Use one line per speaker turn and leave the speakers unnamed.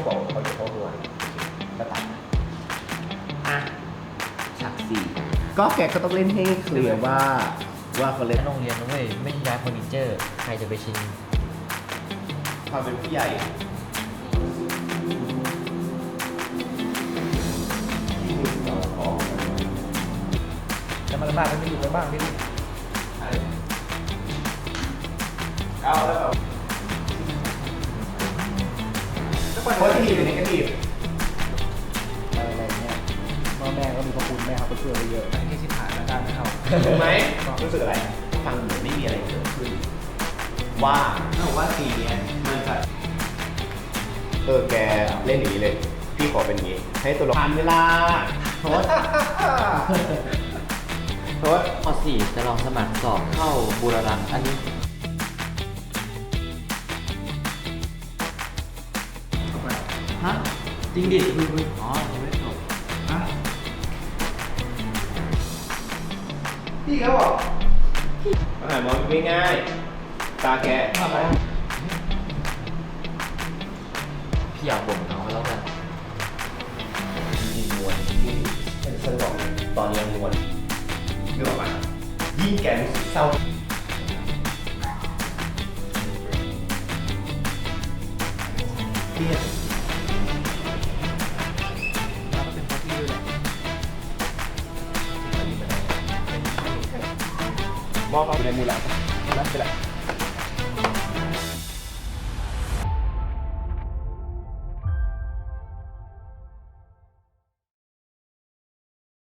บอกเขาจะเข้าด้วยก็ตัดอ่ะฉากสี่ก็แกก็ต้องเล่นให้เคลียร์ว่าเขาเล่น
โรงเรียนนะเว้ยไม่ย้ายเฟอร์นิเจอร์ใครจะไปชิน
ความเป็นผู้ใหญ่ที่มึงต่อของ
จะมาลำบากกันไม่อยู่กันบ้างพี่ดิ
เอาแล้วแบบโพสทีฟหรือเนกาทีฟ
อะไรเงี้ยพ่อแม่ก็มีพระคุณแม่ครับก็ช่วยไปเยอะไม่ที่ชิบหายแล้วกันนะครับ
ถูกไหมรู้สึกอะไร ฟังเหมือนไม่มีอะไรเกิดขึ้นว่าถ้าบอกว่าซีนเนี้ยมันจะแกเล่นอย่างนี้เลย พี่ขอเป็นอย่างนี้ ให้ตัวละครผ่านเวลาโทษ โทษ
ป .4 จะลองสมัครสอบเข้าบูรรัตน์อันนี้ ฮะ จริงดิคุยอ๋อยังไม่จบฮะ
พี่เขาบอกอาหารมองง่ายๆตาแก
พี่อยากบ่นเขาแล้วกัน
มีมวลที่เป็นเส้นบอกตอนนี้ยังมวลนึกออกไหมยิ่งแกรู้สึกเศร้าเครียด
แล้วก็เป็นเพราะพี่ด้วยแหละ
มองเขาอยู่ในมือหลังนะไปละ